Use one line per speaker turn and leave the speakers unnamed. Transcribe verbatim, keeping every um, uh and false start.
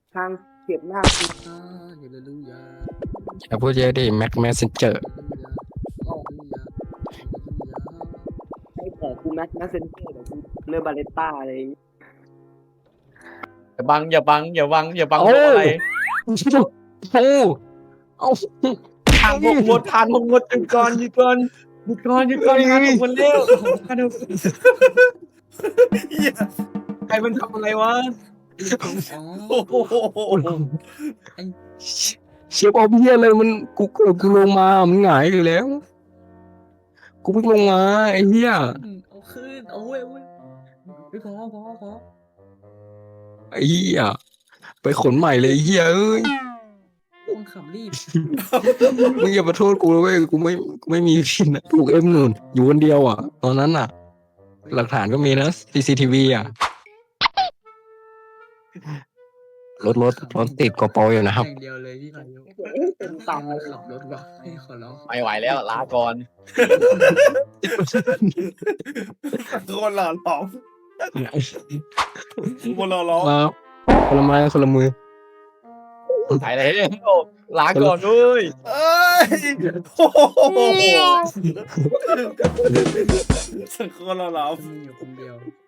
ทางเก็บหน้ากู
อ่าเฮเลลูยา
อย่าพูดเยอะดิแม็กแมสเซนเจอร์
เฮเลลูยาเฮเลลูยาเฮเลลูยา
ให้แต่กูแม็กแมสเซนเจอร์แต่กูเรือบาเลต้าอะไรอย่างงี้
อย่าบังอย่าบังอย่าบังอย่าบัง
โอ้
โดนอะไร
โอ้เอา
ทางหกหมดทางหกหมดหยุดก่อนหยุดก่อนหยุดก่อนหยุดก่อนทางหกหมดเร็วทางหกเหี้ยใครมันทำอะไรวะ
อ๋อ
โอ้โห
เชฟออฟเฮียเลยมันกูเกิดกูลงมามันหงายอยู่แล้ว กูเพิ่งลงมาไอ้เหี้ย
เอาขึ้นเอาเว้ยเว้ยไม่พอพอพอ
ไอ้เหี้ยไปขนใหม่เลยไอ้เหี้ยเอ้ย
มึงขับรีบ
มึงอย่ามาโทษกูเลยเว้ยกูไม่กูไม่มีพินอะถูกเอ็มหนุนอยู่คนเดียวอ่ะ ตอนนั้นอ่ะ หลักฐานก็มีนะ ซี ซี ที วี อ่ะรถรถรถติดกอปออยู่นะครับ
อย่างเดียวเลยพี่พายุ
เต็มตาเลย
ขับรถบอกให้ขอร้อง
ไม่ไหวแล้วลาก่อน
คนหล่อหลอมคนหล่อหลอม
มาคนละไม้คนละมือ
ถ่ายอะไรเนี่ยลาก่อนด้วย
เอ้ยโอ้โหคนหล่อหลอม
มีอยู่คนเดียว